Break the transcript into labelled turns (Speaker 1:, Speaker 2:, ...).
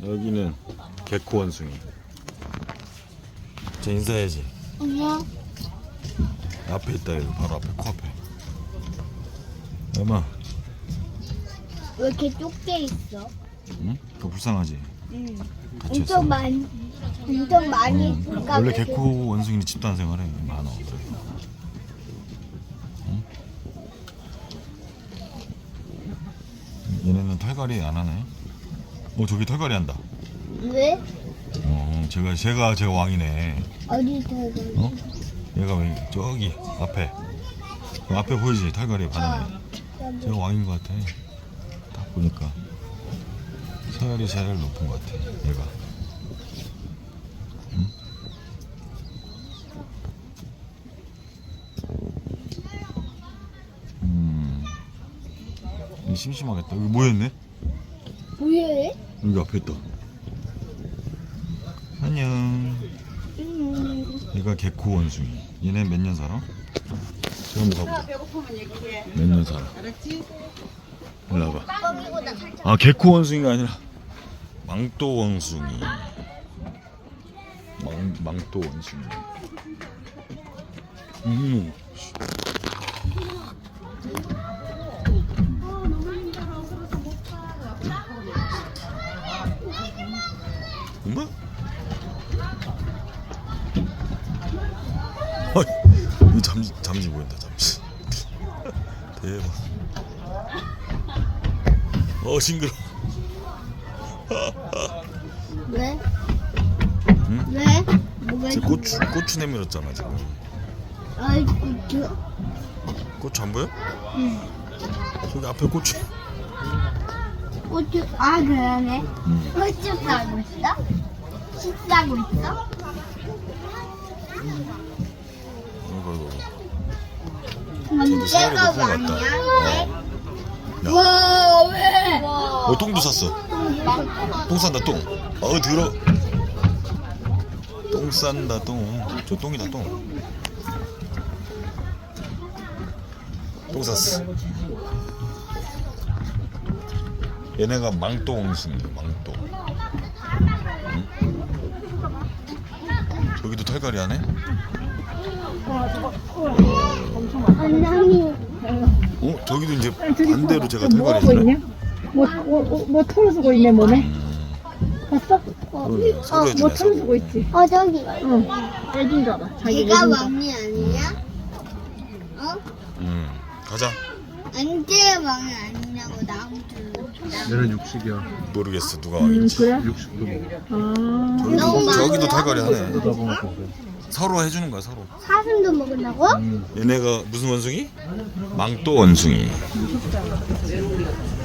Speaker 1: 여기는 개코 원숭이. 저 인사해야지.
Speaker 2: 안녕.
Speaker 1: 앞에 있다. 여기 바로 앞에 코앞에. 엄마.
Speaker 2: 왜 이렇게 좁게 있어?
Speaker 1: 응? 그거 불쌍하지?
Speaker 2: 응.
Speaker 1: 다쳤어.
Speaker 2: 엄청 많이 있으니까.
Speaker 1: 원래 개코 원숭이는 집단 생활해. 많아. 응? 얘네는 털갈이 안 하네. 저기 털갈이 한다.
Speaker 2: 왜?
Speaker 1: 제가 왕이네.
Speaker 2: 어디 들어가?
Speaker 1: 어? 얘가 왜 저기 앞에 그 앞에 보이지? 털갈이 반응이. 제가 왕인 것 같아. 딱 보니까 서열이 제일 높은 것 같아. 얘가. 응? 심심하겠다. 여기 모였네?
Speaker 2: 왜?
Speaker 1: 여기 앞에 있다. 안녕. 얘가 개코 원숭이. 얘네 몇 년 살아? 제가 한번 가보자.
Speaker 3: 배고프면 얘기해.
Speaker 1: 몇 년 살아?
Speaker 3: 알았지?
Speaker 1: 일로 와봐. 개코 원숭이가 아니라 망토 원숭이. 망토 원숭이. 엄마? 이 잠시 보인다. 잠시. 대박. 징그러.
Speaker 2: 왜?
Speaker 1: 응?
Speaker 2: 왜? 뭐가
Speaker 1: 지금 고추 내밀었잖아 지금.
Speaker 2: 아이고,
Speaker 1: 고추 안 보여?
Speaker 2: 응.
Speaker 1: 저기 앞에 고추.
Speaker 2: 고추, 그러네. 고추 싸고 있어? 식 싸고 있어?
Speaker 1: 이거.
Speaker 2: 그럼
Speaker 1: 살이
Speaker 2: 내가
Speaker 1: 높은 것 같다.
Speaker 2: 왕이야? 왜?
Speaker 1: 야.
Speaker 2: 와, 왜?
Speaker 1: 똥도 쌌어. 똥 싼다 똥. 들어. 똥 싼다 똥. 저 똥이다 똥. 똥 쌌어. 얘네가 망토 원숭이야. 망토. 응? 저기도 털갈이 하네?
Speaker 2: 안녕히.
Speaker 1: 저기도 이제 반대로 제가 털갈이
Speaker 3: 뭐 하고
Speaker 1: 해주네.
Speaker 3: 있냐? 뭐 털을 쓰고 있네 몸에. 봤어?
Speaker 1: 서로 해주네.
Speaker 3: 뭐 털을 쓰고 있지.
Speaker 2: 저기.
Speaker 3: 응. 애긴가 봐. 자기
Speaker 2: 걔가
Speaker 3: 애긴가.
Speaker 2: 왕이 아니야?
Speaker 1: 가자.
Speaker 2: 언제 왕이 아니냐고 나한테.
Speaker 4: 얘는 육식이야.
Speaker 1: 모르겠어 누가 왕인지.
Speaker 3: 그래?
Speaker 4: 육식도 먹어.
Speaker 1: 저기도 털갈이 하네.
Speaker 4: 먹고 그래.
Speaker 1: 서로 해주는 거야 서로.
Speaker 2: 사슴도 먹는다고?
Speaker 1: 얘네가 무슨 원숭이? 망토 원숭이.